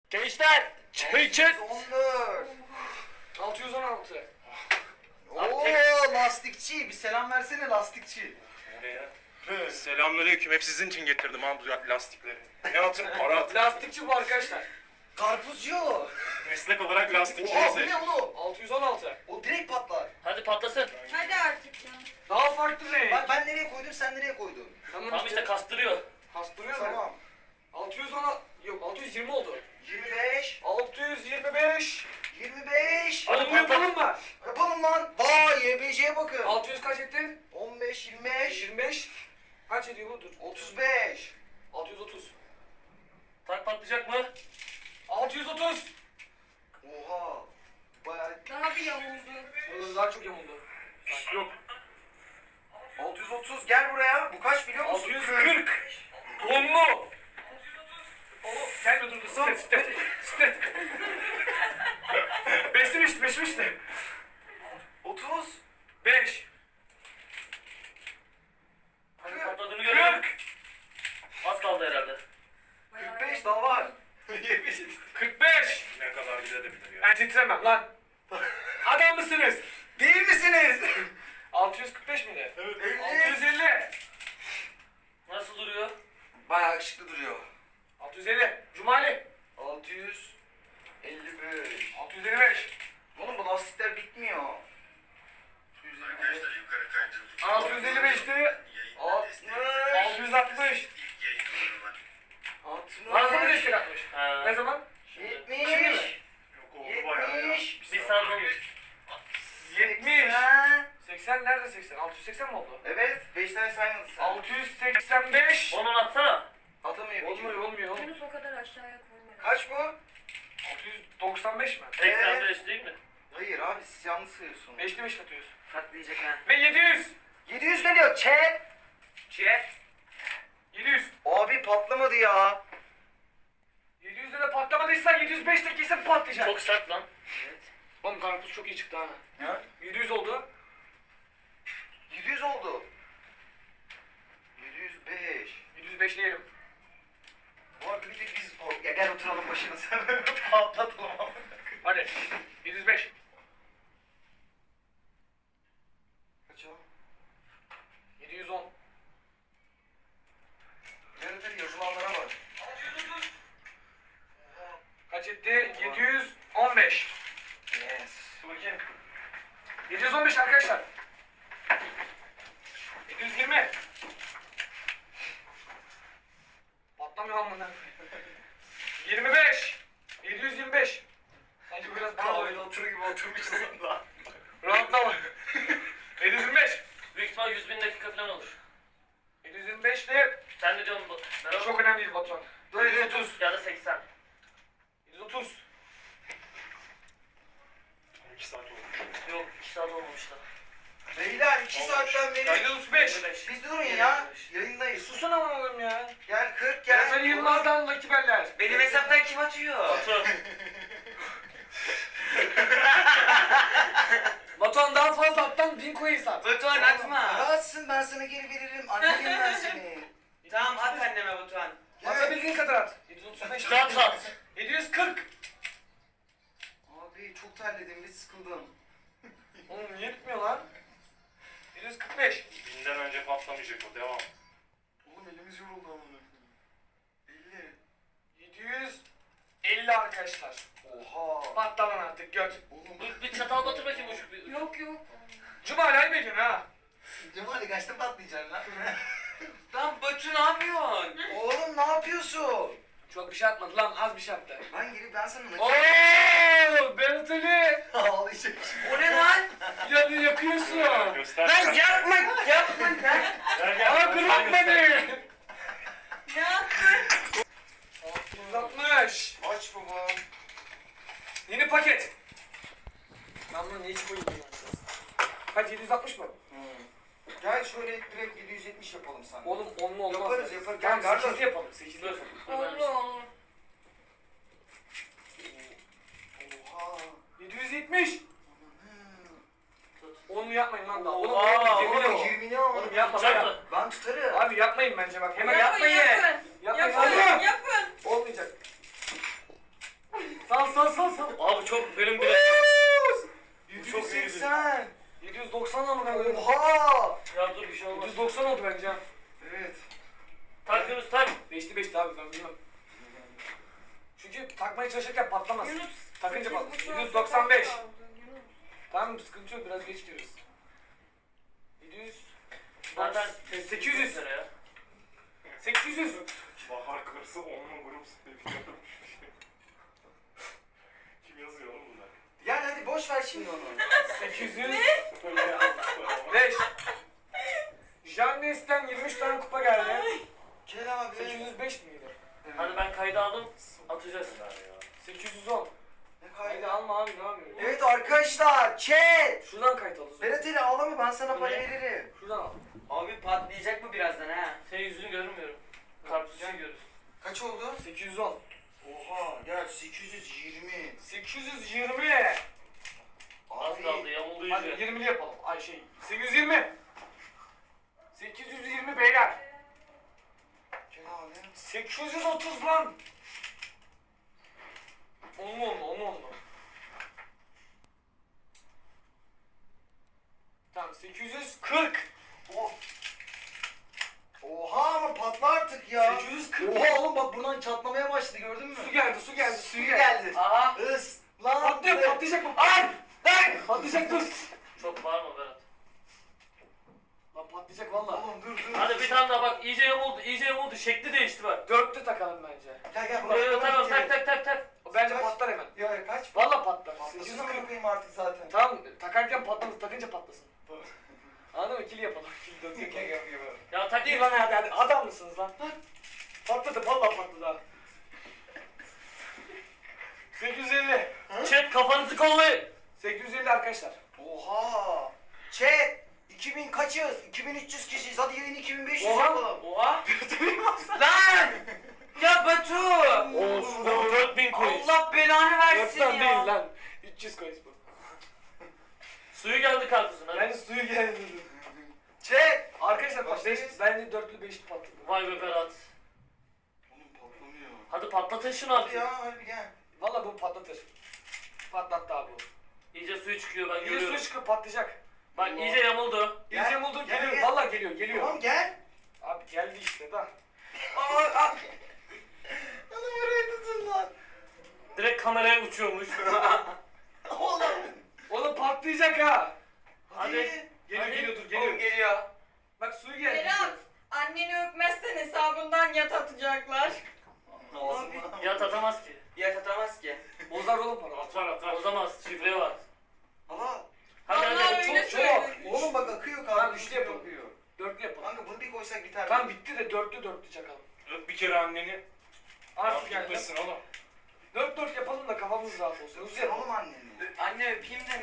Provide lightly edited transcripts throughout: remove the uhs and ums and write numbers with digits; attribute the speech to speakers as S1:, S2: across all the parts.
S1: Gençler çay için.
S2: 14.
S3: 616.
S2: Oo lastikçi. Bir selam versene lastikçi.
S1: Selamünaleyküm. Hep sizin için getirdim ha bu lastikleri. Ne atın? Para atın.
S3: Lastikçi bu arkadaşlar.
S2: Karpuzcu.
S1: Meslek olarak lastikçi
S2: Oha bu
S1: bize.
S2: ne oğlum?
S3: 616.
S2: O direkt patlar.
S4: Hadi patlasın.
S5: Hadi artık ya.
S3: Daha farklı renk.
S2: Bak ben nereye koydum sen nereye koydun?
S4: Tamam işte kastırıyor.
S3: Kastırıyor mu?
S2: Tamam.
S3: 610 yok 620 oldu.
S2: 25.
S3: 625.
S2: 25.
S4: Hadi
S3: Onu yapalım
S4: patlat.
S3: mı?
S2: Yapalım lan. Vay YBC'ye bakın.
S3: 600 kaç etti?
S2: 15, 25,
S3: 25. Kaç ediyor bu? Dur.
S2: 35.
S3: 630.
S4: Tak patlayacak mı?
S3: 630.
S2: Oha. Bayağı.
S5: Daha bir yamuldu.
S3: Burada daha çok yamuldu.
S1: Yok.
S2: 630 gel buraya. Bu kaç biliyor musun?
S3: 640. Onlu. Oğlum gelme dur. Stet. Beşmiş de.
S2: 30.
S3: 5.
S4: Hadi patladığını görüyorum.
S3: 40.
S4: Az kaldı herhalde.
S2: 45 daha var. 70.
S3: 45.
S1: Ne kadar gidebilir ya.
S3: Ben titremem lan. Adam mısınız?
S2: Değil misiniz?
S3: 645 miydi?
S1: Evet.
S3: 650.
S4: Nasıl duruyor?
S2: Bayağı yakışıklı duruyor.
S3: 650. Cumali.
S2: 655.
S3: 655.
S2: Oğlum bu lastikler bitmiyor.
S3: 655'ti.
S2: 60.
S3: 660.
S2: 60.
S3: Varsa mı destek atmış?
S4: Ha.
S3: Ne zaman?
S2: 70.
S3: Şimdi mi?
S1: Yok oldu bayağı ya.
S2: 70.
S4: Bir saat olmuş.
S3: 70.
S2: 80.
S3: 80 nerede 80? 680 mi oldu?
S2: Evet. 5 tane saymadın sen.
S3: 685.
S4: Onun atsana.
S2: Atamıyor.
S3: Olmuyor.
S5: Yunus o kadar aşağıya koyma.
S2: Kaç bu?
S3: 695 mi?
S4: 85 değil mi?
S2: Hayır abi siz yanlış sayıyorsunuz.
S3: 5'li 5 atıyoruz.
S2: Katlayacak ha.
S3: Ve 700.
S2: 700 geliyor. Chat.
S3: 700.
S2: Abi patlamadı ya.
S3: 700'de de patlamadıysan 705'te kesin patlayacak.
S4: Çok sert lan.
S2: Evet.
S3: Oğlum karpuz çok iyi çıktı ha.
S2: Ha?
S3: 700 oldu.
S2: 700 oldu. 705.
S3: 705 diyelim.
S2: Bu arada bir tek biz... Ya gel oturalım başına sen. Patlatalım abi.
S3: Hadi. 705.
S2: Kaç o?
S3: 710.
S2: Nerede yazılanlara bak.
S3: Kaç etti? 715.
S2: Yes.
S3: Bakayım. 715 arkadaşlar. 720. Patlamıyor amına. 25. 725. Sanki biraz daha
S2: Öyle oturur gibi oturmuşsun lan.
S3: rahatlama. 725.
S4: Büyük ihtimal 100.000 dakika falan olur.
S3: 725 de
S4: Sen ne diyorsun bu? Merhaba.
S3: çok önemli değil Batuhan. 730.
S4: Ya da 80.
S3: 730.
S1: 2 saat olmuş.
S4: Yok 2 saat olmamış da.
S2: Beyler 2 saatten beri...
S3: 735.
S4: 55.
S2: Biz durun ya. Yayındayız.
S3: Susun ama oğlum ya.
S2: Gel 40
S3: Gel.
S2: gel.
S3: Yılmaz'dan Lucky Beller.
S2: Benim hesaptan kim atıyor?
S4: Batu.
S3: Batuhan daha fazla attan 1000 coin sat.
S6: Batuhan atma.
S2: Rahatsın ben sana geri veririm. Annenim ben seni.
S6: Tamam at anneme Batuhan.
S3: Atabildiğin kadar at. 735.
S4: Rahat at.
S3: 740.
S2: Abi çok terledim ve sıkıldım.
S3: Oğlum niye bitmiyor lan? 745.
S1: Binden önce patlamayacak o. Devam.
S2: Oğlum elimiz yoruldu amına. 50.
S3: 750 arkadaşlar.
S2: Oha.
S3: Patla lan artık göt.
S2: Oğlum
S4: Bir çatal batır bakayım ucuk bir.
S5: Yok yok.
S3: Cumali ayıp ediyorsun ha.
S2: Cumali kaçta patlayacaksın lan?
S6: Lan Batu ne yapıyorsun?
S2: Oğlum ne yapıyorsun?
S3: Çok bir şey atmadı lan az bir şey attı.
S2: Ben gelip ben sana nakit...
S3: Ooo Berat Ali.
S2: Ağlayacak.
S6: O ne lan?
S3: Yanı yakıyorsun.
S1: Göster.
S6: Lan yapma lan.
S1: Gel gel.
S3: Aa
S1: Sen
S3: kırmak
S1: göster.
S3: beni.
S5: Ne yaptın?
S3: 660.
S2: Aç baba.
S3: Yeni paket. Ben bunu niye hiç koyayım ya? Kaç 760 mı?
S2: Gel şöyle direkt 770 yapalım sana.
S3: Oğlum onlu olmaz.
S2: Yaparız, yaparız.
S3: Tamam
S2: Gel,
S3: 8'li yapalım 8'li
S4: Dur.
S3: yapalım.
S5: Oldu oldu.
S2: Oha.
S3: 770. Onu yapmayın lan daha. Oğlum
S4: Oha,
S3: yemin
S2: Oğlum
S3: ederim.
S2: 20 ne oldu?
S3: Oğlum yapma
S4: Tutacak
S3: ya.
S4: mı?
S2: Ben tutarım.
S3: Abi yapmayın bence bak hemen
S5: Yapın
S3: yapmayın.
S5: yapın.
S3: Yapmayın
S5: Yapın
S3: oğlum.
S5: yapın.
S3: Olmayacak. 125'ti abi ben bilmem. Çünkü takmaya çalışırken patlamaz.
S5: Yunus.
S3: Takınca
S5: 8,5
S3: patlar.
S5: saat
S3: 195.
S5: kaldı, Yunus.
S3: Tamam sıkıntı yok biraz geç giriyoruz. 700.
S4: Zaten
S3: 800.
S4: lira ya.
S3: 800.
S1: Bahar karısı onunla grup seviyorum. Kim yazıyor oğlum bunlar?
S2: Yani hadi boş ver şimdi onu.
S3: 800.
S1: Öyle yazmışlar.
S3: 5. Jannes'ten 23 tane kupa geldi.
S2: Gel abi.
S3: 805 miydi?
S4: Hadi ben kaydı aldım. Atacağız.
S3: 810.
S2: Ne
S3: Haydi
S2: kaydı?
S3: alma abi ne yapıyorsun?
S2: Evet arkadaşlar chat.
S3: Şuradan kayıt al o zaman.
S2: Berat Ali ağlama ben sana para
S4: Ne?
S2: veririm.
S3: Şuradan al.
S6: Abi patlayacak mı birazdan ha?
S4: Senin yüzünü görmüyorum. Karpuzu görüyoruz.
S2: Kaç oldu?
S3: 810.
S2: Oha gel 820.
S3: 820.
S4: Az
S2: Abi.
S4: kaldı yamuldu
S3: Hadi
S4: iyice.
S3: 20'li yapalım. Ay şey 820. 820 beyler.
S2: Gel abi.
S3: 830 lan. Olma. Tamam 840.
S2: Oha ama patla artık ya.
S3: 840.
S2: Oha oğlum bak buradan çatlamaya başladı gördün mü?
S3: Su geldi.
S2: Suyu geldi.
S6: Aha.
S2: Is. Lan.
S3: Patlıyor patlayacak mı? Ay! Ay! Patlayacak dur.
S4: Çok bağırma Berat.
S3: Lan patlayacak valla.
S2: Oğlum dur.
S4: Hadi bir tane daha bak iyice yamuldu. Şekli değişti bak.
S3: Dörtlü takalım bence.
S2: Gel
S4: Tamam tak.
S3: O bence
S2: Kaç?
S3: patlar hemen.
S2: Ya kaç?
S3: Valla patlar.
S2: Patlasın
S3: 840.
S2: ama koyayım artık zaten.
S3: Tamam takarken patlamaz takınca patlasın. Anladın mı? İkili yapalım. İkili dönsün.
S4: Ya tak
S3: Değil lan hadi adam mısınız lan? Patladı valla patladı ha. 850.
S4: Chat kafanızı kollayın.
S3: 850 arkadaşlar.
S2: Oha. Chat. 2000 kaçız? 2300 kişiyiz. Hadi yayın 2500
S3: Oha.
S2: yapalım.
S6: Oha. Lan! Ya Batu!
S4: Of 4000 coins.
S6: Allah belanı versin
S3: Yoktan
S6: ya.
S3: değil lan. 300 coins bu.
S4: Suyu geldi karpuzun hadi.
S3: Bence suyu geldi.
S2: Chat.
S3: Arkadaşlar bak
S2: Başlayız.
S3: bence dörtlü beşli patladı.
S4: Vay be Berat.
S2: Oğlum patlamıyor.
S4: Hadi patlatın şunu
S2: Hadi
S4: artık.
S2: ya hadi gel.
S3: Valla bu patlatır. Patlattı abi bu.
S4: İyice suyu çıkıyor ben
S3: İyice
S4: görüyorum.
S3: suyu çıkıp patlayacak.
S4: Bak iyice yamuldu.
S2: Gel,
S3: İyice buldu
S2: gel,
S3: geliyor.
S2: gel.
S3: Valla geliyor.
S2: Tamam gel.
S3: Abi geldi işte da.
S2: Oğlum burayı tutun lan.
S4: Direkt kameraya uçuyormuş.
S2: Oğlum.
S3: Oğlum patlayacak ha.
S4: Hadi.
S3: Geliyor
S4: Hadi.
S3: dur
S6: Oğlum
S3: geliyor.
S6: geliyor.
S3: Bak suyu geldi.
S5: Berat. Anneni öpmezsen hesabından yat atacaklar.
S2: Abi.
S4: Yat atamaz ki.
S6: Ya atamaz ki.
S3: Bozar oğlum para.
S4: Atar. Bozamaz. Şifre var.
S2: Ama
S4: Hadi
S5: Vallahi
S4: hadi.
S5: öyle
S3: çok.
S5: söyledi.
S2: oğlum bak akıyor
S3: Tamam,
S2: kanka.
S3: üçlü yapalım. Dörtlü yapalım.
S2: Kanka bunu bir koysak biter.
S3: Tamam bitti de dörtlü çakalım.
S1: Öp bir kere anneni.
S3: Artık
S1: Ya
S3: geldi.
S1: gitmesin oğlum.
S3: Dört yapalım da kafamız rahat olsun. Hızlı
S2: Sen
S3: yapalım.
S2: oğlum anneni.
S6: Anne öpeyim de.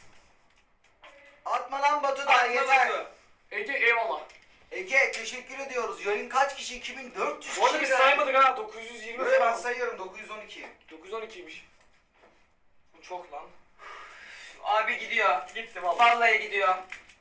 S2: Atma lan Batu da
S6: Atma
S2: yeter.
S6: Batu.
S3: Ege eyvallah.
S2: Ege teşekkür ediyoruz. Yayın kaç kişi? 2400
S3: Bu arada biz
S2: kişi.
S3: saymadık ha 920
S2: Böyle ben
S3: falan.
S2: sayıyorum 912.
S3: 912'ymiş. Bu çok lan.
S6: Abi gidiyor.
S3: Gitti valla.
S6: Vallahi gidiyor.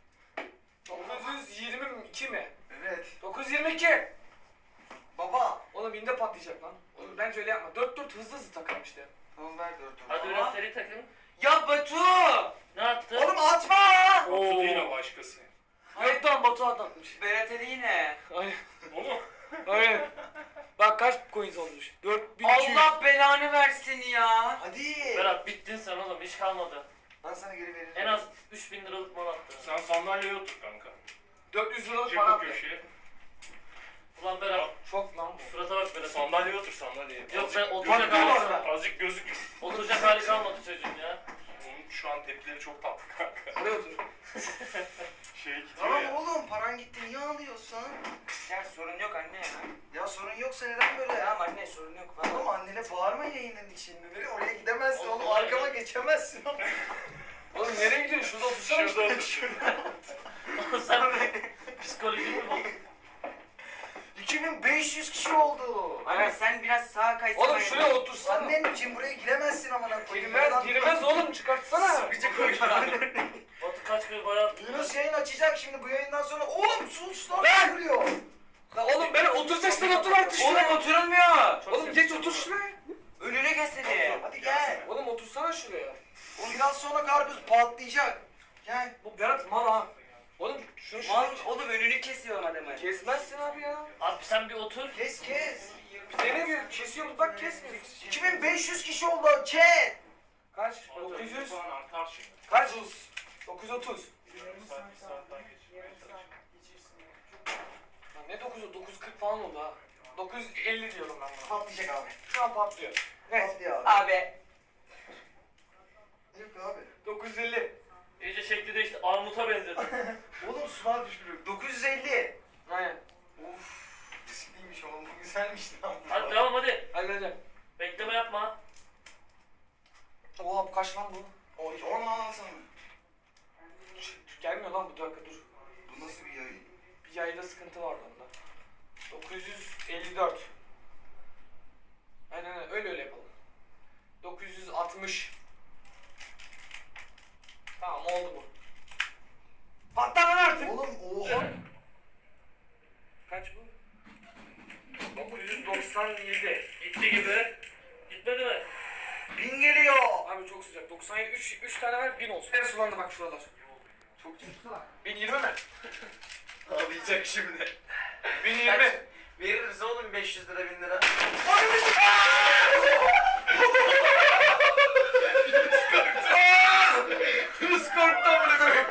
S3: 922 mi?
S2: Evet.
S3: 922.
S2: Baba.
S3: Oğlum binde patlayacak lan. Oğlum bence öyle yapma. 4 hızlı takalım işte.
S2: Tamam ver 4
S4: Hadi biraz seri takın.
S6: Ya Batu!
S4: Ne attı?
S2: Oğlum atma.
S1: Yoksa yine başkası.
S3: Evet lan Batu atlatmış.
S6: Berat Ali yine.
S3: Aynen.
S1: Oğlum.
S3: Aynen. Bak kaç coins olmuş? 4200.
S6: Allah belanı versin ya.
S2: Hadi.
S4: Berat bittin sen oğlum hiç kalmadı.
S2: Ben sana geri veririm.
S4: En az 3000 liralık mal attı.
S1: Sen sandalyeye otur kanka.
S3: 400 liralık
S1: Çek
S3: para
S1: o
S3: attı.
S1: köşeye.
S4: Ulan Berat
S3: Çok lan bu.
S4: surata bak Berat.
S1: Sandalyeye otur sandalyeye.
S4: Yok ben
S1: Azıcık
S4: oturacak
S3: Patladı
S4: hali,
S3: orada.
S1: Azıcık gözük.
S4: oturacak hali kalmadı çocuğun ya.
S1: Onun şu an tepkileri çok tatlı kanka.
S3: Oraya otur.
S1: Şey gidiyor
S2: Tamam
S1: ya.
S2: oğlum paran gitti niye ağlıyorsun?
S6: Ya sorun yok anne ya.
S2: Ya sorun yoksa neden böyle ya?
S6: Tamam anne sorun yok.
S2: Oğlum annene bağırma yayının içinde. Böyle oraya gidemezsin
S4: Oğlum,
S2: oğlum. Arkama geçemezsin oğlum.
S3: Oğlum nereye gidiyorsun? Şurada otursana.
S1: Şurada otur.
S4: Sen psikolojin mi bozuk?
S2: 2500 kişi oldu.
S6: Anne sen biraz sağa kaysana.
S3: Oğlum şuraya otursana.
S2: Annen için buraya giremezsin amına koyayım.
S3: Girmez oğlum çıkartsana.
S2: Sıkıcı koyuyor.
S4: Batu kaç kere bayağı
S2: Yunus yayın açacak şimdi bu yayından sonra. Oğlum sus lan vuruyor.
S3: Lan oğlum ben oturacaksın otur artık
S6: Oğlum
S3: şuraya.
S6: oturulmuyor.
S3: Oğlum geç otur şuraya.
S6: Önüne geçsene.
S2: Hadi gel.
S3: Oğlum otursana şuraya.
S2: O biraz sonra karpuz patlayacak. Gel.
S3: Bu Berat mal ha. Oğlum şunu
S6: Mal oğlum önünü kesiyorum adamı.
S3: kesmezsin abi ya.
S4: Abi sen bir otur.
S2: Kes kes.
S3: kesiyoruz bak kesmiyoruz.
S2: 2500 kişi oldu chat.
S3: Kaç?
S1: Ama tabii
S3: 900.
S1: puan artar şimdi.
S3: Kaç? 930.
S1: Saatten geçirmeye çalışıyorum.
S3: Lan ne 9'u? 940 falan oldu ha. 950 diyorum ben buna.
S2: Patlayacak abi.
S3: Şu an patlıyor. Ne?
S2: Patlıyor abi.
S6: Abi.
S2: Yok abi.
S3: 950.
S4: İyice şekli değişti. Armuta benzedi.
S2: Oğlum sular düşürüyor. 950.
S3: Aynen.
S2: Uf. Riskliymiş oğlum. Bu güzelmiş lan.
S4: Hadi devam hadi.
S3: Hadi hadi.
S4: Bekleme yapma.
S3: Oha bu kaç lan bu?
S2: Onu anlatsana.
S3: Gelmiyor lan bu dakika dur.
S2: Bu nasıl bir yayın?
S3: Bir yayda sıkıntı vardı onda. 954. Aynen öyle yapalım. 960. Tamam oldu bu. Patla lan artık.
S2: Oğlum oha.
S3: Kaç bu?
S4: 997. Gitti gibi. Gitmedi mi?
S2: 1000 geliyor.
S3: Abi çok sıcak. 97 3 tane ver 1000 olsun. En sulandı bak şuralar. Çok sıcak. 1020 mi?
S2: Ağlayacak şimdi.
S3: 1020.
S2: Veririz oğlum 500 lira 1000 lira.
S3: Hız korktu amına koyayım.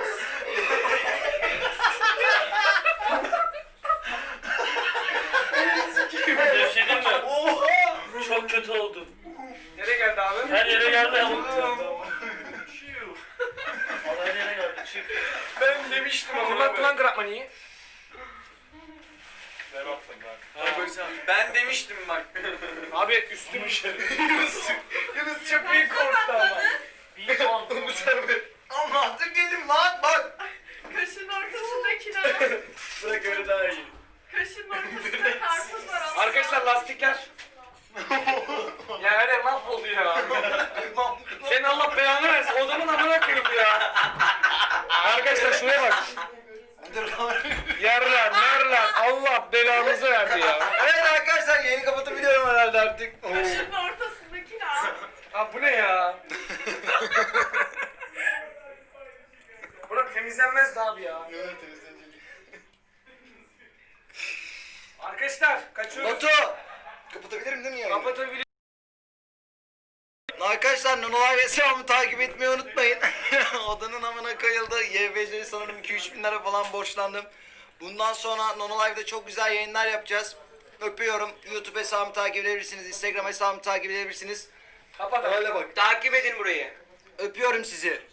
S4: Gevşedin mi?
S2: Oha.
S4: Çok kötü oldu.
S3: Nereye geldi abi?
S4: Her yere geldi ama.
S2: Oğlum.
S4: Her yere geldi. Çık.
S3: Ben demiştim ama. Fırlattı lan Grabmani'yi.
S1: Ben attım ben.
S2: Ben demiştim bak.
S3: Abi üstüm
S2: Yunus çok iyi korktu ama.
S4: Bir puan.
S2: Allah dur gelin lan bak.
S5: Kaşın ortasındakine.
S2: Bırak öyle daha iyi.
S5: Kaşın ortasında karpuz var. Allah.
S3: Arkadaşlar lastikler. Ya her yer mahvoldu ya. Senin Allah belanı versin. Odamın amına koyayım ya. Arkadaşlar şuraya bak.
S2: Dur
S3: Yerler, merler. Allah belanızı verdi ya.
S2: Evet arkadaşlar yayını kapatabiliyorum herhalde artık.
S5: Kaşın ortasındakine al.
S3: Abi bu ne ya? Burası temizlenmez de abi ya. Arkadaşlar kaçıyoruz.
S2: Batu! Kapatabilirim değil mi yayını?
S3: Kapatabilir.
S2: Arkadaşlar Nonolay ve Selam'ı takip etmeyi unutmayın. Odanın amına koyuldu. YBC'ye sanırım 2-3 bin lira falan borçlandım. Bundan sonra Nonolive'da çok güzel yayınlar yapacağız. Öpüyorum. YouTube hesabımı takip edebilirsiniz. Instagram hesabımı takip edebilirsiniz.
S3: Kapat abi.
S2: Öyle bak.
S6: Takip edin burayı.
S2: Öpüyorum sizi.